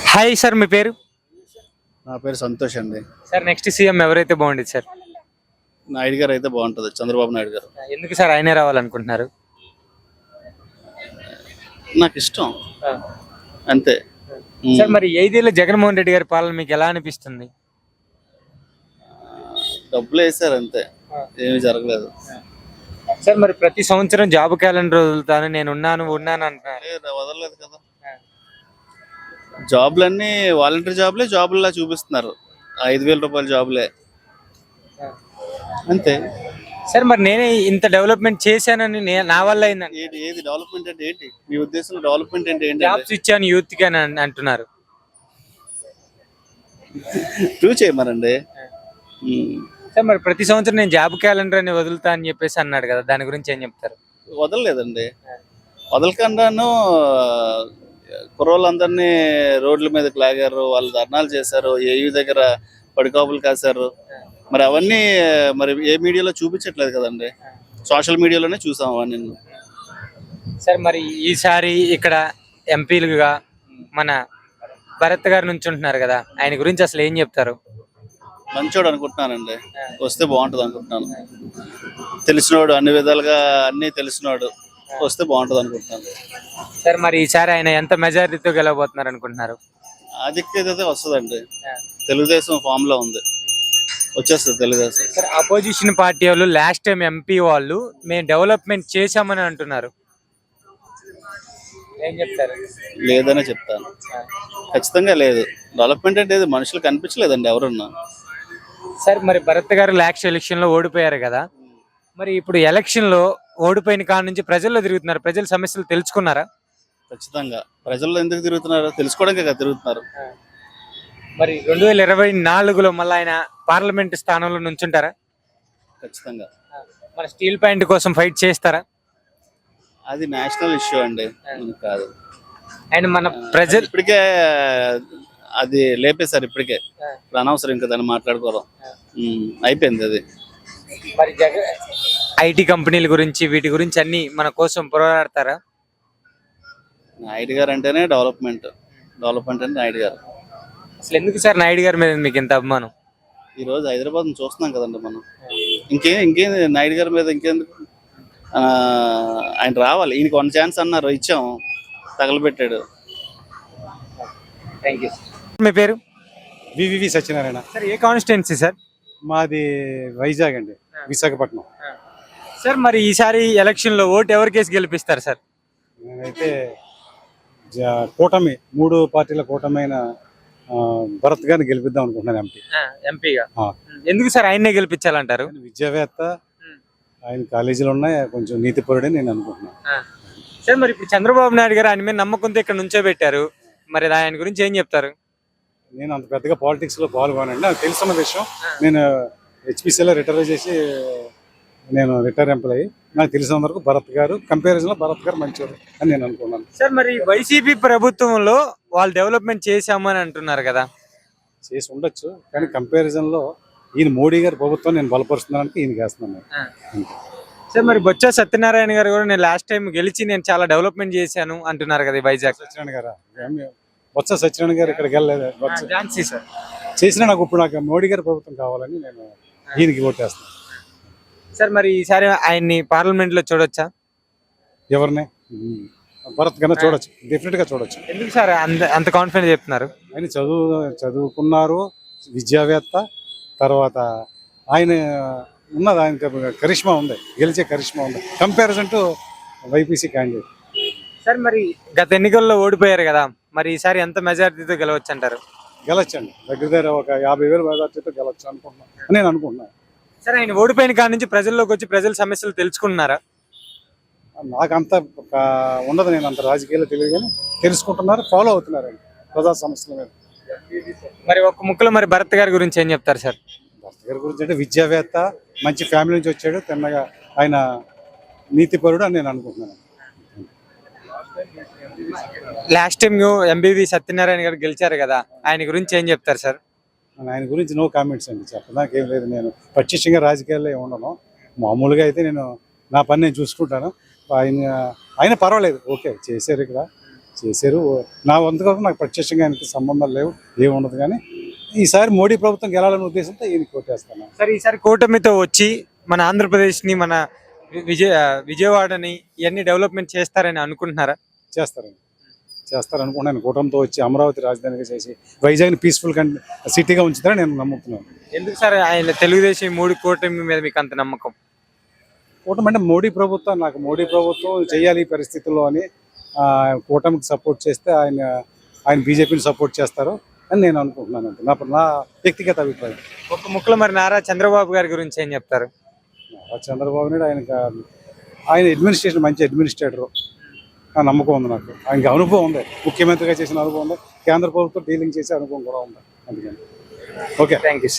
Hi sir, మీ పేరు? నా పేరు సంతోష్ అండి. సార్, నెక్స్ట్ సీఎం ఎవరైతే బాగుండేది సార్? నాయుడు గారు అయితే బాగుంటుంది, చంద్రబాబు నాయుడు గారు. ఎందుకు సార్ ఆయనే రావాలనుకుంటున్నారు? నాకు ఇష్టం అంతే. సార్, మరి 5 ఏళ్ళ జగన్మోహన్ రెడ్డి గారి పాలన మీకు ఎలా అనిపిస్తుంది? డబ్బులు వేసారు అంతే, ఏమీ జరగలేదు. సార్, మరి ప్రతి సంవత్సరం జాబ్ క్యాలెండర్ వదులుతాను, నేను ఉన్నాను అంటున్నారు. వదలలేదు కదా. జాబ్లన్నీ వాలంటీర్ జాబుల్లా చూపిస్తున్నారు. 5,000 రూపాయల జాబులే అంతే. సార్, మరి నేనే ఇంత డెవలప్మెంట్ చేశానని నా వల్ల అయిందండి. ఏది డెవలప్మెంట్ అంటే ఏంటి మీ ఉద్దేశంలో? డెవలప్మెంట్ అంటే ఏంటి? జాబ్స్ ఇచ్చాను యూత్ కి అని అంటున్నారు. ప్రూవ్ చేయమనండి. సార్, మరి ప్రతి సంవత్సరం నేను జాబ్ క్యాలెండర్ అని వదులుతా అని చెప్పేసి అన్నాడు కదా, దాని గురించి ఏం చెప్తారు? వదలలేదండి. వదలకుండాను కుర్రోళ్ళందరినీ రోడ్ల మీదకి లాగారు, వాళ్ళు ధర్నాలు చేశారు, ఏయూ దగ్గర పడికాపులు కాశారు. మరి అవన్నీ మరి ఏ మీడియాలో చూపించట్లేదు కదండి, సోషల్ మీడియాలోనే చూసాం అవన్నీ. సార్, మరి ఈసారి ఇక్కడ ఎంపీలుగా మన భరత్ గారు నుంచి ఉంటున్నారు కదా, ఆయన గురించి అసలు ఏం చెప్తారు? మంచోడు అనుకుంటున్నానండి, వస్తే బాగుంటుంది అనుకుంటున్నాను. తెలిసినోడు, అన్ని విధాలుగా అన్నీ తెలిసినోడు, వస్తే బాగుంటుంది అనుకుంటున్నాను. సార్, మరి ఈసారి ఆయన ఎంత మెజారిటీతో గెలవబోతున్నారు అనుకుంటున్నారు? ఆధిక్యత వస్తుందండి. తెలుగుదేశం ఫామ్ లో ఉంది, వచ్చేస్తుంది తెలుగుదేశం. సార్, అపోజిషన్ పార్టీ వాళ్ళు లాస్ట్ టైం ఎంపీ వాళ్ళు మేము డెవలప్మెంట్ చేశామని అంటున్నారు, ఏం చెప్తారు? లేదనే చెప్తాను, ఖచ్చితంగా లేదు. డెవలప్మెంట్ అంటే మనుషులు కనిపించలేదండి ఎవరున్నా. సార్, మరి భరత్ గారు లాస్ట్ ఎలక్షన్ లో ఓడిపోయారు కదా, మరి ఇప్పుడు ఎలక్షన్ లో ఓడిపోయిన కాడ నుంచి ప్రజల్లో తిరుగుతున్నారు, ప్రజల సమస్యలు తెలుసుకున్నారా? ఖచ్చితంగా ప్రజల్లో ఎందుకు తిరుగుతున్నారు? తెలుసుకోవడానికి కదా తిరుగుతున్నారు. మరి 2024లో మళ్ళీ ఆయన పార్లమెంట్ స్థానంలో నుంచుంటారా? ఖచ్చితంగా. మన స్టీల్ ప్లాంట్ కోసం ఫైట్ చేస్తారా? అది నేషనల్ ఇష్యూ అండి, కాదు. అండ్ మన ప్రజలు ఇప్పటికే అది లేపేశారు, ఇప్పటికే అనవసరం ఇంకా దాన్ని మాట్లాడుకోవడం. అయిపోయింది అది. మరి ఐటీ కంపెనీల గురించి వీటి గురించి అన్ని మన కోసం పోరాడతారా? నాయుడు గారు అంటేనే డెవలప్మెంట్ అంటే నాయుడు గారు. అసలు ఎందుకు సార్ నాయుడు గారి మీద మీకు ఇంత అభిమానం? ఈ రోజు హైదరాబాద్ చూస్తున్నాం కదండి మనం. ఇంకేం నాయుడు గారి మీద ఇంకెందుకు? ఆయన రావాలి, ఈయనకి 1 ఛాన్స్ అన్నారు, ఇచ్చాము, తగలబెట్టాడు. Thank you. మీ పేరు? వివివి సత్యనారాయణ. సార్, ఏ కాన్స్టిట్యున్సీ సార్? మాది వైజాగ్ అండి, విశాఖపట్నం. సార్, మరి ఈసారి ఎలక్షన్ లో ఓటు ఎవరికేసి గెలిపిస్తారు సార్? నేనైతే కూటమి 3 పార్టీల కూటమైన భరత్ గారిని గెలిపిద్దాం అనుకుంటున్నాను ఎంపీగా. ఎందుకు సార్ ఆయన్నే గెలిపించాలంటారు? విద్యావేత్త, ఆయన కాలేజీలు ఉన్నాయి, కొంచెం నీతిపరుడని నేను అనుకుంటున్నాను. సార్, మరి ఇప్పుడు చంద్రబాబు నాయుడు గారు ఆయన మీద నమ్మకంతో ఇక్కడ నుంచో పెట్టారు, మరి ఆయన గురించి ఏం చెప్తారు? నేను అంత పెద్దగా పాలిటిక్స్ లో పాల్గొనండి, నాకు తెలుసున్న విషయం. నేను హెచ్పిసిలో రిటైర్ చేసి నేను రిటైర్ ఎంప్లాయీ. నాకు తెలిసినంత వరకు భరత్ గారు కంపారిజన్ లో భరత్ గారు మంచివారు అని నేను అనుకున్నాను. సార్, మరి వైసీపీ ప్రభుత్వంలో వాళ్ళు డెవలప్మెంట్ చేశామని అంటున్నారు కదా. చేసి ఉండొచ్చు, కానీ కంపారిజన్ లో ఈయన మోడీ గారి ప్రభుత్వం నేను బలపరుస్తున్నానికి ఈయన చేస్తున్నాను. సార్, మరి బొత్స సత్యనారాయణ గారు కూడా నేను లాస్ట్ టైం గెలిచి నేను చాలా డెవలప్మెంట్ చేశాను అంటున్నారు కదా వైజాగ్. సత్యనారాయణ గారు, బొత్స సత్యనారాయణ గారు ఇక్కడికి వెళ్ళలేదు. సార్, చేసినా నాకు మోడీ గారి ప్రభుత్వం కావాలని నేను ఈయనకి ఓటేస్తాను. సార్, మరి ఈసారి ఆయన్ని పార్లమెంట్ లో చూడొచ్చా? ఎవరిని? భరత్ కన్నా చూడొచ్చు, డెఫినెట్ గా చూడొచ్చు. ఎందుకు సార్ అంత కాన్ఫిడెంట్ చెప్తున్నారు? ఆయన చదువుకున్నారు, విద్యావేత్త. తర్వాత ఆయన ఉన్నది, ఆయన కరిష్మా ఉంది, గెలిచే కరిష్మా ఉంది కంపారిజన్ టు వైపీసీ క్యాండిడేట్. సార్, మరి గత ఎన్నికల్లో ఓడిపోయారు కదా, మరి ఈసారి ఎంత మెజారిటీతో గెలవచ్చు అంటారు? గెలవచ్చండి, దగ్గర ఒక 50,000 మెజారిటీతో గెలవచ్చు అనుకుంటున్నాను, నేను అనుకుంటున్నాను. సార్, ఆయన ఓడిపోయిన కాడ నుంచి ప్రజల్లోకి వచ్చి ప్రజల సమస్యలు తెలుసుకుంటున్నారా? నాకు అంత ఉండదు, నేను అంత రాజకీయాల్లో తెలియదు, కానీ తెలుసుకుంటున్నారు, ఫాలో అవుతున్నారండి ప్రజా సమస్యల మీద. మరి ఒక ముక్కలో మరి భరత్ గారి గురించి ఏం చెప్తారు సార్? భరత్ గారి గురించి అంటే విద్యావేత్త, మంచి ఫ్యామిలీ నుంచి వచ్చాడు, తిన్నగా ఆయన నీతిపరుడు అని నేను అనుకుంటున్నాను. లాస్ట్ టైం ఎంబీవి సత్యనారాయణ గారు గెలిచారు కదా, ఆయన గురించి ఏం చెప్తారు సార్? ఆయన గురించి నో కామెంట్స్ అండి, చెప్పడానికి ఏం లేదు. నేను ప్రత్యక్షంగా రాజకీయాల్లో ఉండను, మామూలుగా అయితే నేను నా పని నేను చూసుకుంటాను. ఆయన పర్వాలేదు, ఓకే చేశారు, ఇక్కడ చేశారు. నా వంతుగా నాకు ప్రత్యక్షంగా ఆయనకి సంబంధాలు లేవు, ఏముండదు. కానీ ఈసారి మోడీ ప్రభుత్వం గెలాలనే ఉద్దేశంతో ఈయనకి కొట్టేస్తాను. సరే ఈసారి కూటమితో వచ్చి మన ఆంధ్రప్రదేశ్ని మన విజయవాడని ఇవన్నీ డెవలప్మెంట్ చేస్తారని అనుకుంటున్నారా? చేస్తారనుకుంటున్నాను. కూటమితో వచ్చి అమరావతి రాజధానిగా చేసి వైజాగ్ని పీస్ఫుల్ సిటీగా ఉంచుతారని నేను నమ్ముతున్నాను. ఎందుకు సార్ ఆయన తెలుగుదేశం ఈ 3 కూటమి మీద మీకు అంత నమ్మకం? కూటమి అంటే మోడీ ప్రభుత్వం చేయాలి ఈ పరిస్థితుల్లో అని కూటమికి సపోర్ట్ చేస్తే ఆయన బీజేపీని సపోర్ట్ చేస్తారు అని నేను అనుకుంటున్నాను. అంతే నా వ్యక్తిగత అభిప్రాయం. ఒక ముక్కలో మరి నారా చంద్రబాబు గారి గురించి ఏం చెప్తారు? చంద్రబాబు నాయుడు ఆయన అడ్మినిస్ట్రేషన్ మంచి అడ్మినిస్ట్రేటర్, ఆ నమ్మకం ఉంది నాకు. ఆయనకి అనుభవం ఉంది, ముఖ్యమంత్రిగా చేసిన అనుభవం ఉంది, కేంద్ర ప్రభుత్వం డీలింగ్ చేసే అనుభవం కూడా ఉంది. అందుకని ఓకే, థ్యాంక్ యూ.